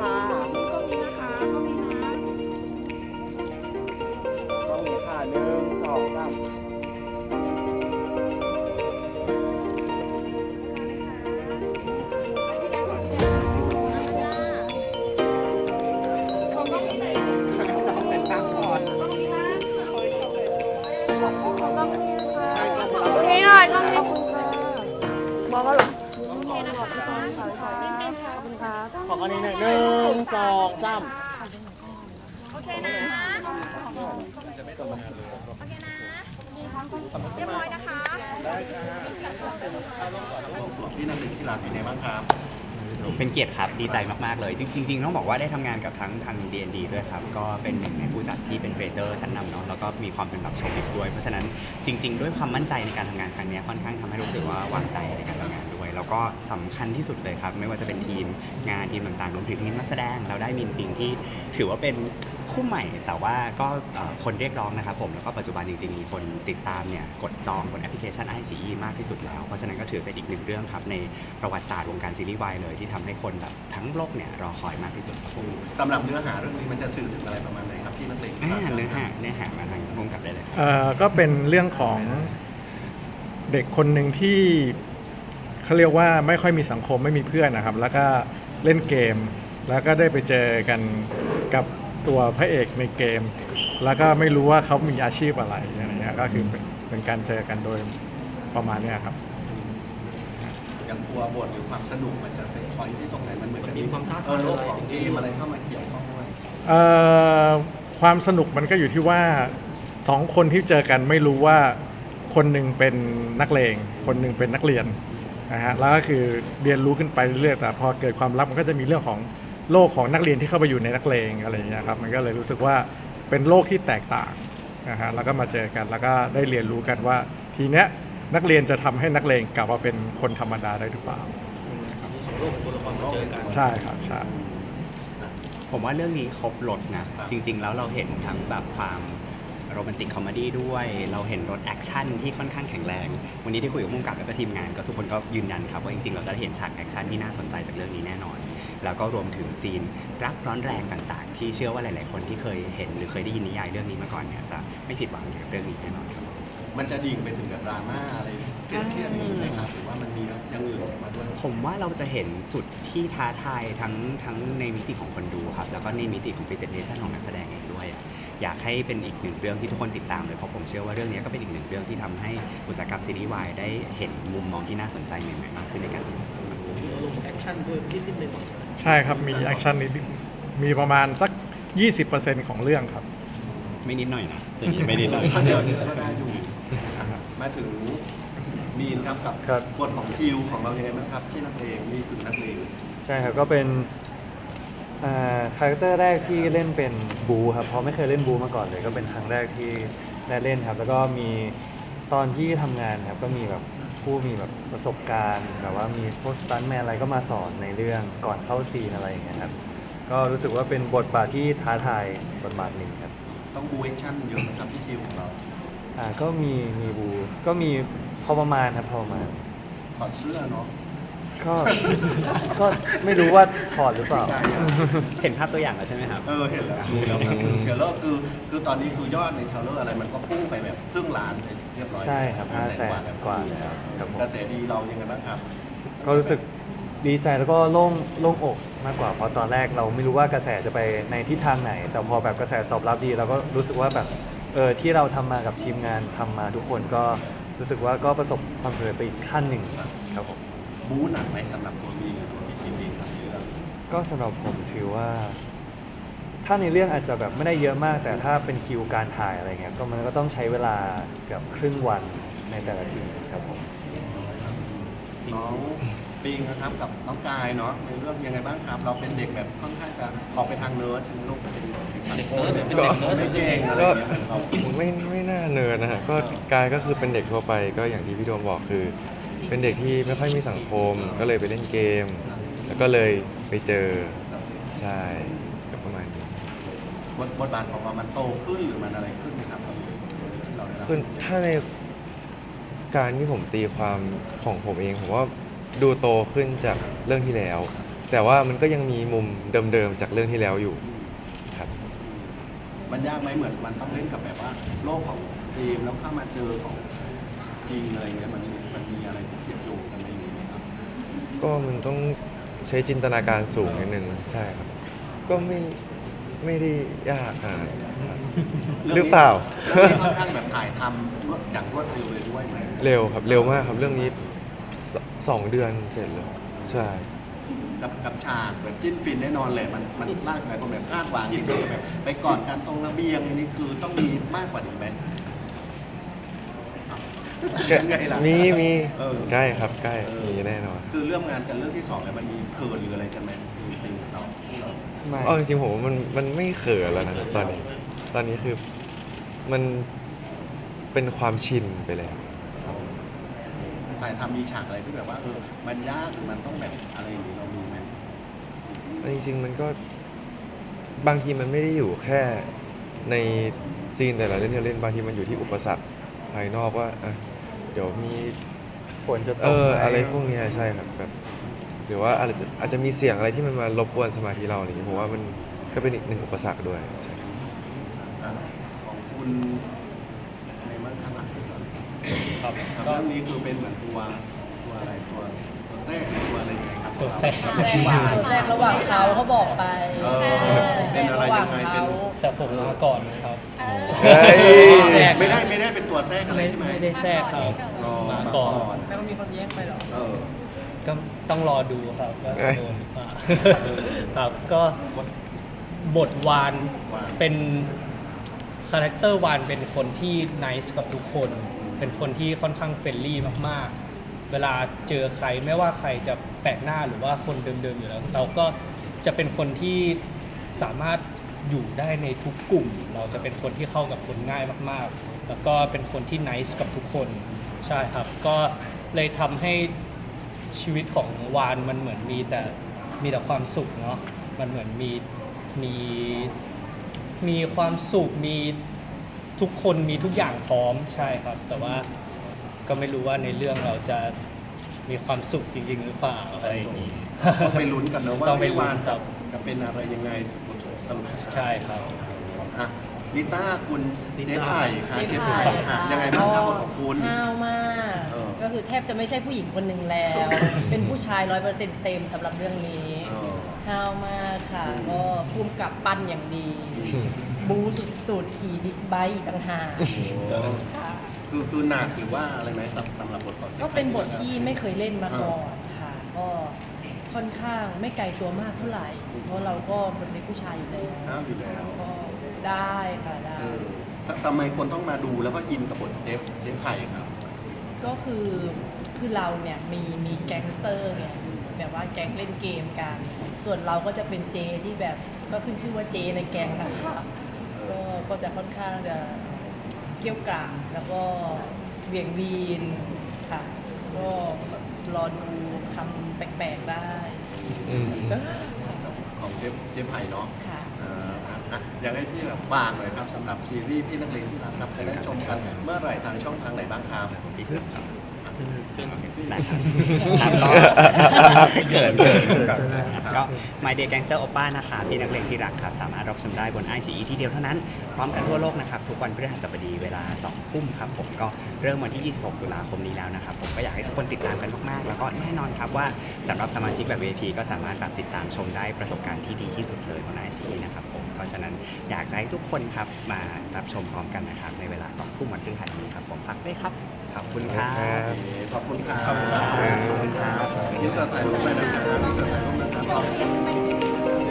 ค่ะก็มีนะคะก็มีนะต้องมีค่ะหนึ่งสองสามต้องเป็นตั้งก่อนใช่ต้องรับนี่หน่อยต้องมีบอกก็หรอขออันนี้หนึ่งหนึ่งสองสามโอเคนะเรียบร้อยนะคะได้ค่ะส่วนที่นักเรียนที่ร้านเป็นไงบ้างครับเป็นเกียรติครับดีใจมากๆเลยจริงๆต้องบอกว่าได้ทำงานกับทั้งทาง D&D ด้วยครับก็เป็นหนึ่งในผู้จัดที่เป็นครีเอเตอร์ชั้นนำเนาะแล้วก็มีความเป็นแบบโชว์บิสด้วยเพราะฉะนั้นจริงๆด้วยความมั่นใจในการทำงานครั้งนี้ค่อนข้างทำให้รู้สึกว่าวางใจในการทำงานด้วยแล้วก็สำคัญที่สุดเลยครับไม่ว่าจะเป็นทีมงานทีมต่างๆรวมถึงทีมนักแสดงเราได้มินปิงที่ถือว่าเป็นคู่ใหม่แต่ว่าก็คนเรียกร้องนะครับผมแล้วก็ปัจจุบันจริงๆมีคนติดตามเนี่ยกดจองบนแอปพลิเคชัน iQIYI มากที่สุดแล้วเพราะฉะนั้นก็ถือเป็นอีกหนึ่งเรื่องครับในประวัติศาสตร์วงการซีรีส์วายเลยที่ทำให้คนแบบทั้งโลกเนี่ยรอคอยมากที่สุดครับผมสำหรับเนื้อหาเรื่องนี้มันจะสื่อถึงอะไรประมาณไหนครับที่นักเรียนเนื้อหามาทางพุ่งกับได้เลยครับก็เป็นเรื่องของเด็กคนหนึ่งที่เขาเรียกว่าไม่ค่อยมีสังคมไม่มีเพื่อนนะครับ แล้วก็เล่นเกม แล้วก็ได้ไปเจอกันกับตัวพระเอกในเกม แล้วก็ไม่รู้ว่าเขามีอาชีพอะไรอะไรเงี้ยก็คือเป็นการเจอกันโดยประมาณเนี้ยครับอย่างตัวบทหรือความสนุกมันจะเป็นคอยที่ตรงไหนมันเหมือนจะมีความท้าทายโลกของเกมอะไรเข้ามาเกี่ยวข้องด้วยความสนุกมันก็อยู่ที่ว่าสองคนที่เจอกันไม่รู้ว่าคนหนึ่งเป็นนักเลงคนหนึ่งเป็นนักเรียนนะฮะแล้วก็คือเรียนรู้ขึ้นไปเรื่อยๆแต่พอเกิดความลับมันก็จะมีเรื่องของโลกของนักเรียนที่เข้าไปอยู่ในนักเลงอะไรอย่างเงี้ยครับมันก็เลยรู้สึกว่าเป็นโลกที่แตกต่างนะฮะแล้วก็มาเจอกันแล้วก็ได้เรียนรู้กันว่าทีเนี้ยนักเรียนจะทำให้นักเลงกลับมาเป็นคนธรรมดาได้หรือเปล่าใช่ครับใช่ผมว่าเรื่องนี้ครบรถนะจริงๆแล้วเราเห็นทั้งแบบความโรแมนติกคอมเมดี้ด้วยเราเห็นรถแอคชั่นที่ค่อนข้างแข็งแรงวันนี้ที่คุยกับผู้กำกับแล้วก็ทีมงานก็ทุกคนก็ยืนยันครับว่าจริงๆเราจะได้เห็นฉากแอคชั่นที่น่าสนใจจากเรื่องนี้แน่นอนแล้วก็รวมถึงซีนรักร้อนแรงต่างๆที่เชื่อว่าหลายๆคนที่เคยเห็นหรือเคยได้ยินนิยายเรื่องนี้มาก่อนเนี่ยจะไม่ผิดหวังกับเรื่องนี้แน่นอนครับมันจะดิ่งไปถึงกับดราม่าอะไรเครียดๆนี้ไหมครับหรือว่ามันมีอย่างอื่นมาด้วยผมว่าเราจะเห็นจุดที่ท้าทายทั้งในมิติของคนดูครับแล้วก็ในมิติของ presentation ของนักแสดงเองด้วยอยากให้เป็นอีกหนึ่งเรื่องที่ทุกคนติดตามเลยเพราะผมเชื่อว่าเรื่องนี้ก็เป็นอีกหนึ่งเรื่องที่ทำให้อุตสาหกรรมซีรีส์วายได้เห็นมุมมองที่น่าสนใจใหม่ๆมากขึ้นในการทำงานใช่ครับมีแอคชั่นนิดมีประมาณสัก 20%ของเรื่องครับไม่นิดหน่อยนะอย่างนี้ไม่นิดหน่อยเดี๋ยวนี้ก็ได้อยู่มาถึงมีนครับกับบทของคิวของเรายังไงบ้างครับที่นักเลงนี่คือนักเลงใช่ครับก็เป็นคาแรคเตอร์แรกที่เล่นเป็นบูครับเพราะไม่เคยเล่นบูมาก่อนเลยก็เป็นครั้งแรกที่ได้เล่นครับแล้วก็มีตอนที่ทำงานครับก็มีแบบผู้มีแบบประสบการณ์แบบว่ามีพวกสตันท์แมนอะไรก็มาสอนในเรื่องก่อนเข้าซีนอะไรอย่างเงี้ยครับก็รู้สึกว่าเป็นบทบาทที่ท้าทายบทบาทหนึ่งครับต้องบูแอคชั่นเยอะนะครับที่คิวของเราก็มีบูก็มีพอประมาณครับพอประมาณถอดเสื้อเนาะก็ ก็ไม่รู้ว่าถอดหรือเปล่าเห็นภาพตัวอย่างแล้วใช่ไหมครับเห็นแล้วดูแล้วครับเทรลเลอร์คือตอนนี้คือยอดในเทรลเลอร์อะไรมันก็พุ่งไปแบบครึ่งล้านไปเรียบร้อยใช่ครับ 500,000 กว่าแล้วครับผมกระแสดีเรายังไงบ้างครับก็รู้สึกดีใจแล้วก็โล่งอกมากกว่าเพราะตอนแรกเราไม่รู้ว่ากระแสจะไปในทิศทางไหน แต่พอแบบกระแสตอบรับดีเราก็รู้สึกว่าแบบที่เราทำมากับทีมงานทำมาทุกคนก็รู้สึกว่าก็ประสบความสำเร็จไปอีกขั้นหนึ่งครับผมบู๊หนักไหมสำหรับตัวมีนตัวพี่ทีมเองครับเรื่องก็สำหรับผมถือว่า ถ้าในเรื่องอาจจะแบบไม่ได้เยอะมาก แต่ถ้าเป็นคิวการถ่ายอะไรเงี้ยก็มันก็ต้องใช้เวลาเกือบครึ่งวันในแต่ละซีนครับผมน้องปิงนะครับกับน้องกายเนาะในเรื่องยังไงบ้างครับ เราเป็นเด็กแบบค่อนข้างจะออกไปทางเนิร์ดถึงลูกเป็นเด็กสังคมไม่เก่งอะไรอย่างเงี้ยเหมือนเราไม่น่าเนิร์ดนะฮะก็กายก็คือเป็นเด็กทั่วไปก็อย่างที่พี่โดมบอกคือ เป็นเด็กที่ไม่ค่อยมีสังคมก็เลยไปเล่นเกม แล้วก็เลยไปเจอใช่ก็ประมาณนี้บทบาทของเรามันโตขึ้นหรือมันอะไรขึ้นไหมครับที่เราได้รับคือถ้าในการที่ผมตีความของผมเองผมว่าดูโตขึ้นจากเรื่องที่แล้วแต่ว่ามันก็ยังมีมุมเดิมๆจากเรื่องที่แล้วอยู่ครับมันยากไหมเหมือนมันต้องเล่นกับแบบว่าโลกของทีมแล้วเข้ามาเจอของจริงอะไรเงี้ยมันมีอะไรที่เกี่ยวโยงกันอะไรอย่างเงี้ยครับก็มันต้องใช้จินตนาการสูงนิดนึงใช่ครับ ก็ไม่ได้ยากขนาดนั้นครับหรือเปล่าเรื่องนี้ค่อนข้างแบบถ่ายทำอย่างรวดเร็วเลยด้วยไหมเร็วครับเร็วมากครับเรื่องนี้2 เดือนเสร็จเลยใช่กับฉากแบบจิ้นฟินแน่นอนเลยมันร่างกายคนแบบคาดหวังที่คือแบบไปก่อนการตรงระเบียงอันนี้คือต้องมีมากกว่านี้ไหมยังไงล่ะมีเออใกล้ครับใกล้มีแน่นอนคือเรื่องงานกันเรื่องที่2แล้วมันมีเขินหรืออะไรกันไหมเป็นเราไม่อ๋อจริงๆผมว่ามันไม่เขินแล้วนะตอนนี้คือมันเป็นความชินไปแล้วถ่ายทำมีฉากอะไรที่แบบว่ามันยากหรือมันต้องแบบอะไรอย่างนี้เรามีไหมจริงๆมันก็บางทีมันไม่ได้อยู่แค่ในซีนแต่ละเรื่องที่เราเล่นบางทีมันอยู่ที่อุปสรรคภายนอกว่าอ่ะเดี๋ยวมีฝนจะตกไหมอะไรพวกเนี้ยใช่ครับแบบหรือว่าอาจจะมีเสียงอะไรที่มันมารบกวนสมาธิเราอะไรอย่างเงี้ยผมว่ามันก็เป็นอีกหนึ่งอุปสรรคด้วยใช่อ่ะของคุณในมั่งข้างหลังก่อนครับครับก็เรื่องนี้คือเป็นเหมือนตัวอะไรตัวแทรกหรือตัวอะไรยังไงครับตัวแทรกแทรกระหว่างเขาเขาบอกไปเออแทรกระหว่างเขาแต่ผมมาก่อนนะครับเฮ้ยแทรกไม่ได้เป็นตัวแทรกอะไรไม่ใช่ไหมไม่ได้แทรกครับรอมามาก่ก่ออน นไม่ว่ามีคนแย่งไปหรอเออก็ต้องรอดูครับว่าจะโดนหรือเปล่าครับก็บทวานเป็นคาแรคเตอร์วานเป็นคนที่ไนซ์กับทุกคน เป็นคนที่ค่อนข้างเฟรนลี่มากๆ เวลาเจอใครไม่ว่าใครจะแปลกหน้าหรือว่าคนเดิมๆอยู่แล้ว เราก็จะเป็นคนที่สามารถอยู่ได้ในทุกกลุ่ม เราจะเป็นคนที่เข้ากับคนง่ายมากๆ แล้วก็เป็นคนที่ไนซ์กับทุกคนใช่ครับก็เลยทำให้ชีวิตของวานมันเหมือนมีแต่ความสุขเนาะมันเหมือนมีความสุขมีทุกคนมีทุกอย่างพร้อมใช่ครับ แต่ว่าก็ไม่รู้ว่าในเรื่องเราจะมีความสุขจริงๆหรือเปล่าอะไรอย่างนี้ต้องไปลุ้นกันนะว่าต้องไปลุ้นวานครับจะเป็นอะไรยังไงสรุปใช่ครับอ่ะลิต้าคุณเจ๊ไผ่ค่ะเจ๊เจ๊ไผ่ไผ่ค่ะยังไงบ้างครับบทของคุณห้าวมากเออก็คือแทบจะไม่ใช่ผู้หญิงคนหนึ่งแล้ว เป็นผู้ชาย 100%เต็มสำหรับเรื่องนี้เออห้าวมากค่ะ ก็ภูมิกับปั้นอย่างดี บู๊สุดๆขี่บิ๊กไบค์อีกต่างหากค่ะคือหนักหรือว่าอะไรไหมสำหรับบทของจ๊ไผ่ก็เป็นบทที่ไม่เคยเล่นมาก่อนค่ะ ก็ค่อนข้างไม่ไกลตัวมากเท่าไหร่ เพราะเราก็เป็นผู้ชายอยู่แล้วห้ามอยู่แล้วก็ได้ค่ะได้เออทำไมคนต้องมาดูแล้วก็อินกับบทเจ๊ไผ่ครับก็คือเราเนี่ยมีแก๊งสเตอร์เนี่ยแบบว่าแก๊งเล่นเกมกัน ส่วนเราก็จะเป็นเจที่แบบก็ขึ้นชื่อว่าเจในแก๊งนะคะก็จะค่อนข้างจะเกรี้ยวกราดแล้วก็เบี่ยงวีนค่ะ ก็รอดูคำแปลกๆได้อืมของเจ๊ไผ่เนาะค่ะอ่ะอยากให้พี่แบบฝากหน่อยครับสำหรับซีรีส์พี่นักเลงที่รักครับจะได้ชมกันเมื่อไหร่ทางช่องทางไหนบ้างครับพี่สึกครับได้ครับเกิดก็ My Day Gangster Oppa นะคะพี่นักเลงที่รักครับสามารถรับชมได้บน iQIYI ที่เดียวเท่านั้นพร้อมกันทั่วโลกนะครับทุกวันพฤหัสบดีเวลา 2 ทุ่มครับผมก็เริ่มวันที่ 26 ตุลาคมนี้แล้วนะครับผมก็อยากให้ทุกคนติดตามกันมากๆ แล้วก็แน่นอนครับว่าสำหรับสมาชิกแบบ VIP ก็สามารถแบบติดตามชมได้ประสบการณ์ที่ดีที่สุดเลยบน iQIYI นะครับผมเพราะฉะนั้นอยากจะให้ทุกคนครับมารับชมพร้อมกันนะครับในเวลา 2 ทุ่มวันพฤหัสนี้ครับผมฝากด้วยครับขอบคุณครับขอบคุณครับขอบคุณครับยินดีถ่ายรูปไปนะครับยินดีถ่ายรูปนะครับ